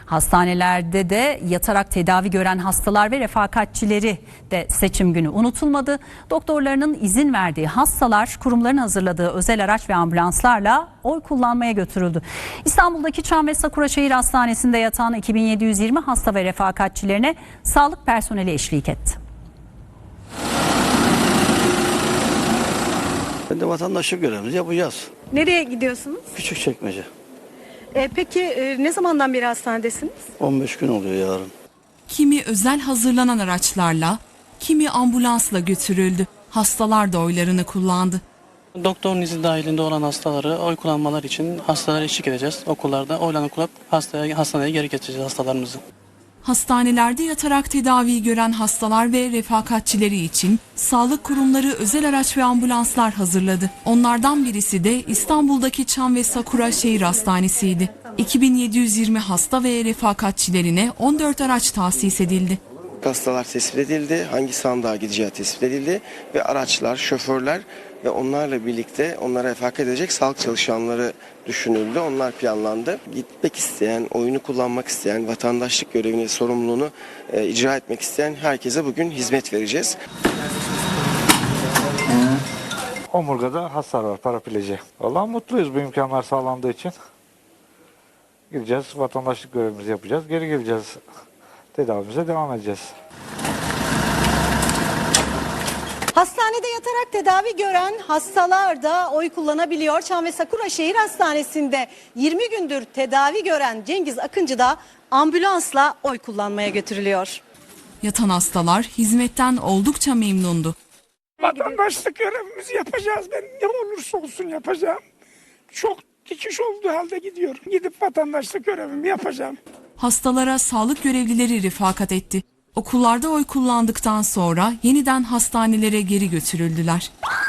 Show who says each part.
Speaker 1: Hastanelerde de yatarak tedavi gören hastalar ve refakatçileri de seçim günü unutulmadı. Doktorlarının izin verdiği hastalar kurumların hazırladığı özel araç ve ambulanslarla oy kullanmaya götürüldü. İstanbul'daki Çam ve Sakura Şehir Hastanesi'nde yatan 2720 hasta ve refakatçilerine sağlık personeli eşlik etti.
Speaker 2: Ben de vatandaşlık görevimizi yapacağız.
Speaker 3: Nereye gidiyorsunuz?
Speaker 2: Küçükçekmece.
Speaker 3: Peki ne zamandan beri hastanedesiniz?
Speaker 2: 15 gün oluyor yarın.
Speaker 4: Kimi özel hazırlanan araçlarla, kimi ambulansla götürüldü. Hastalar da oylarını kullandı.
Speaker 5: Doktorun izni dahilinde olan hastaları oy kullanmalar için hastalara eşlik edeceğiz. Okullarda oylarını kullanıp hastaneye geri getireceğiz hastalarımızı.
Speaker 4: Hastanelerde yatarak tedavi gören hastalar ve refakatçileri için sağlık kurumları özel araç ve ambulanslar hazırladı. Onlardan birisi de İstanbul'daki Çam ve Sakura Şehir Hastanesi'ydi. 2720 hasta ve refakatçilerine 14 araç tahsis edildi.
Speaker 6: Hastalar tespit edildi, hangi sandığa gideceği tespit edildi ve araçlar, şoförler ve onlarla birlikte onlara refakat edecek sağlık çalışanları düşünüldü. Onlar planlandı. Gitmek isteyen, oyunu kullanmak isteyen, vatandaşlık görevini, sorumluluğunu icra etmek isteyen herkese bugün hizmet vereceğiz.
Speaker 7: Omurgada hasar var, paraplezi. Vallahi mutluyuz bu imkanlar sağlandığı için. Gideceğiz, vatandaşlık görevimizi yapacağız, geri geleceğiz. Tedavimize devam edeceğiz.
Speaker 3: Hastanede yatarak tedavi gören hastalar da oy kullanabiliyor. Çam ve Sakura Şehir Hastanesi'nde 20 gündür tedavi gören Cengiz Akıncı da ambulansla oy kullanmaya götürülüyor.
Speaker 4: Yatan hastalar hizmetten oldukça memnundu.
Speaker 8: Vatandaşlık görevimizi yapacağız. Ben ne olursa olsun yapacağım. Çok dikiş olduğu halde gidiyorum. Gidip vatandaşlık görevimi yapacağım.
Speaker 4: Hastalara sağlık görevlileri rifakat etti. Okullarda oy kullandıktan sonra yeniden hastanelere geri götürüldüler.